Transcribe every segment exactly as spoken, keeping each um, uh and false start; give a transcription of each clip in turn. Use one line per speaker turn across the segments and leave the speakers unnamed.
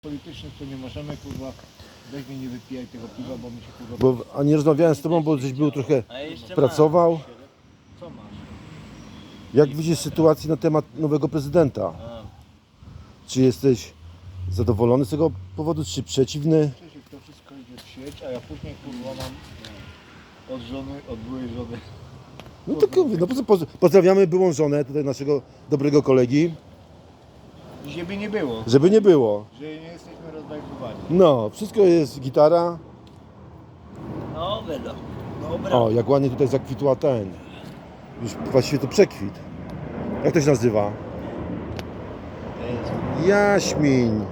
politycznych to nie możemy, kurwa, weź mnie nie wypijaj tego piwa, bo mi się kurwa...
Bo, a nie rozmawiałem z tobą, bo żeś był trochę
A jeszcze
pracował.
Co masz?
Jak widzisz sytuację na temat nowego prezydenta?
A,
Czy jesteś zadowolony z tego powodu, czy przeciwny?
Przecież to wszystko idzie w sieć, a ja później kurwa mam od żony, od byłej żony.
No to kurwa, no poz- poz- pozdrawiamy byłą żonę, tutaj naszego dobrego kolegi,
Żeby nie było,
żeby nie było.
że nie jesteśmy rozbajkowani.
No, wszystko jest gitara.
Dobra, no. Dobra.
O, jak ładnie tutaj zakwitła ten. Już właściwie to przekwit. Jak to się nazywa?
To jest...
Jaśmin.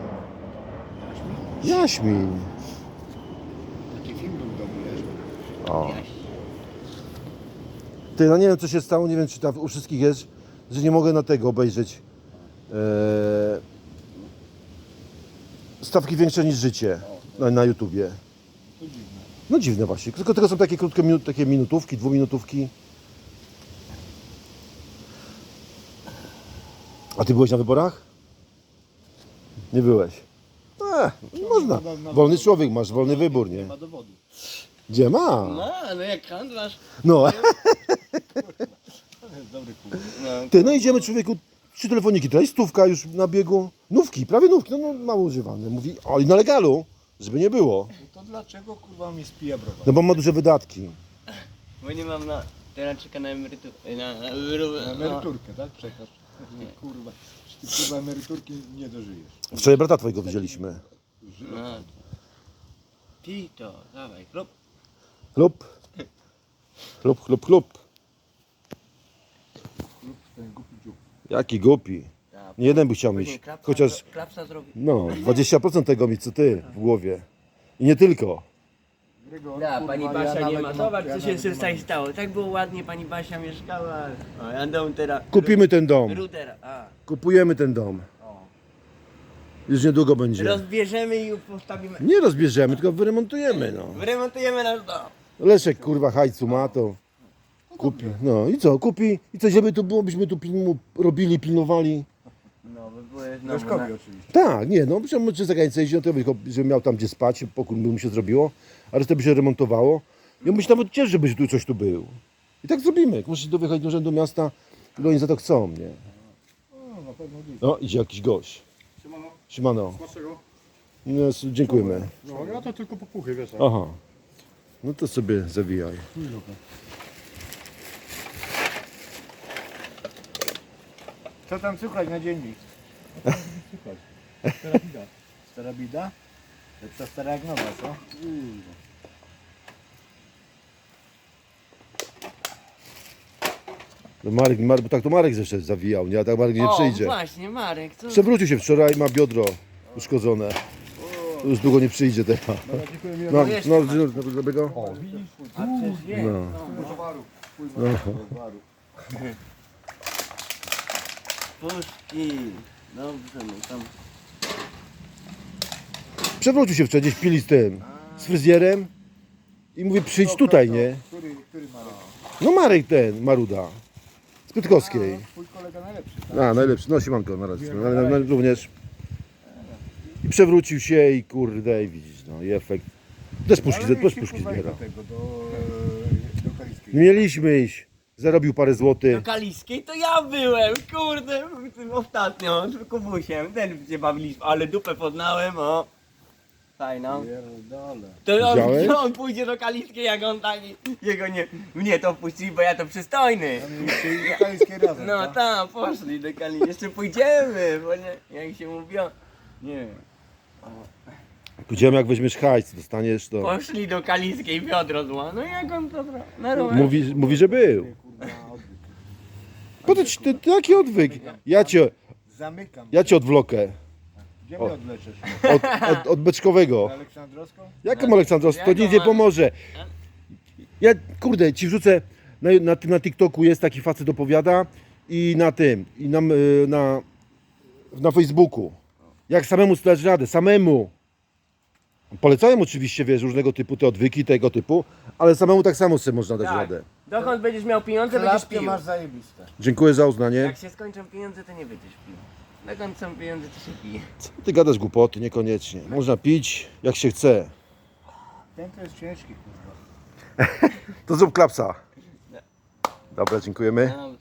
Jaśmin.
Taki film był dobry, wiesz?
O. Ty, no nie wiem co się stało, nie wiem czy tam u wszystkich jest, że nie mogę na tego obejrzeć. Eee, stawki większe niż życie na, na YouTubie.
To dziwne.
No dziwne właśnie, tylko tylko są takie krótkie minut, takie minutówki, dwuminutówki. A ty byłeś na wyborach? Nie byłeś. Ech, można. Wolny człowiek, masz wolny wybór,
Nie
nie?
ma dowodu.
Gdzie ma?
No, no jak handlarz.
No,
To jest dobry kurwa.
No,
ty, no idziemy człowieku, trzy telefoniki, tutaj stówka już na biegu. Nówki, prawie nówki, no, no mało używane. Mówi, o i na legalu, żeby nie było.
No to dlaczego kurwa mi spija browar?
No bo ma duże wydatki.
bo nie mam na... Teraz czeka na emeryturę. Na, na, emeryturę,
Na emeryturkę, tak? Czekasz. Kurwa, ty kurwa emeryturki nie dożyjesz.
Wczoraj brata twojego widzieliśmy.
No. no. Pij to, dawaj, klub.
Chlub. Chlub, chlub, chlub.
Lub ten głupi dziób.
Jaki głupi.
Ja,
Nie jeden by chciał
później
mieć.
klapsa,
Chociaż,
klapsa zrobi.
no, dwadzieścia procent tego mi co ty w głowie. I nie tylko.
Gregor,
Ja,
kurwa,
pani
ja
Basia nie
nawet
ma.
mam-
Zobacz
ja
co się
nawet nie
tutaj
mam.
stało. Tak było ładnie, pani Basia mieszkała. O, ja dom teraz.
Kupimy ten dom.
Rudera. A.
Kupujemy ten dom.
O.
Już niedługo będzie.
Rozbierzemy i postawimy.
Nie rozbierzemy, tylko wyremontujemy, no.
Wyremontujemy nasz dom.
Leszek kurwa hajcu ma to. Kupi. No i co, kupi. I co, żeby tu było, byśmy tu pilnu, robili, pilnowali.
No, by były znowu
Leszkowi
na...
oczywiście.
Tak, nie, no, czy czy za granicę jeździł, to tylko, żeby miał tam gdzie spać, pokój by mu się zrobiło, a resztę by się remontowało. I on by się nawet cieszył, żeby tu coś tu był. I tak zrobimy. Jak musisz do wyjechać do urzędu miasta, to oni za to chcą, nie?
O, na pewno dziś.
No, idzie jakiś gość.
Siemano,
Siemano.
smacznego?
No, s- dziękujemy.
No ja to tylko popuchy, wiesz. tak?
Aha. No to sobie zawijaj.
Co tam słychać na dziennik? Co tam słychać? Stara bida. Stara bida? Lepsza stara jak nowa, co?
No Marek, Marek, bo tak to Marek zresztą zawijał, nie? A tak Marek nie
o,
przyjdzie.
właśnie, Marek, co?
Przewrócił się wczoraj, ma biodro uszkodzone. Już długo nie przyjdzie teraz.
Dobra, dziękuję mi.
No,
jeszcze
no,
masz.
no, no, dobrego?
O, widzisz?
A przecież wie.
No.
No.
Towaru.
Towaru.
Puszki. Dobrze, no tam.
Przewrócił się wczoraj, gdzieś pili z tym, z fryzjerem i mówi przyjdź tutaj, nie?
Który, który Marek?
No Marek ten, Maruda, z Piotrkowskiej.
A, twój kolega najlepszy, tak?
A, najlepszy, no siemanko na razie, no, ale no, również. I przewrócił się i kurde, i widzisz, no i efekt. Też puszki,
Ale
też
mieliście,
puszki
kurwa,
zbiera.
do tego, do, do Kaliskiej.
Mieliśmy iść, zarobił parę
Do
złotych.
Kaliskiej to ja byłem, kurde, tym ostatnio, z Kubusiem, ten się bawiliśmy, ale dupę poznałem, o. Fajną.
Pierdolę.
To on,
Widziałeś?
to on pójdzie do Kaliskiej, jak on taki, jego nie, mnie to wpuścili, bo ja to przystojny.
A mieliście iść do Kaliskiej razem,
No
tak?
tam, poszli do Kaliskiej, jeszcze pójdziemy, bo nie, jak się mówiło, nie.
Pójdziemy jak weźmiesz hajs, dostaniesz to.
Poszli do Kaliskiej, wiodro zło, no jak on to zrobił? Na rower.
Mówi, mówi, że był.
Kurwa, odwyk.
Po to ci, ty, taki odwyk. Ja cię,
Zamykam.
ja cię odwlokę.
Gdzie
O.
mnie odleczesz?
Od, od, od Beczkowego.
Na Aleksandrowską?
Jaką Aleksandrowską? To
Jaką
nic nie
Ale-
pomoże. Ja, kurde, ci wrzucę, na, na, tym- na TikToku jest taki facet opowiada i na tym, i na, y, na, na Facebooku. Jak samemu zdać radę, samemu. Polecałem oczywiście, wiesz, różnego typu te odwyki, tego typu, ale samemu tak samo sobie można dać
Tak.
radę.
Dokąd będziesz miał pieniądze, będziesz
Klatkę
pił.
masz zajebiste.
Dziękuję za uznanie.
Jak się skończą pieniądze, to nie będziesz pił. Dokąd są pieniądze, to się pije.
Ty gadasz głupoty, niekoniecznie. Można pić jak się chce.
Ten to jest ciężki, kurwa.
To zrób klapsa. Dobra, dziękujemy.
No,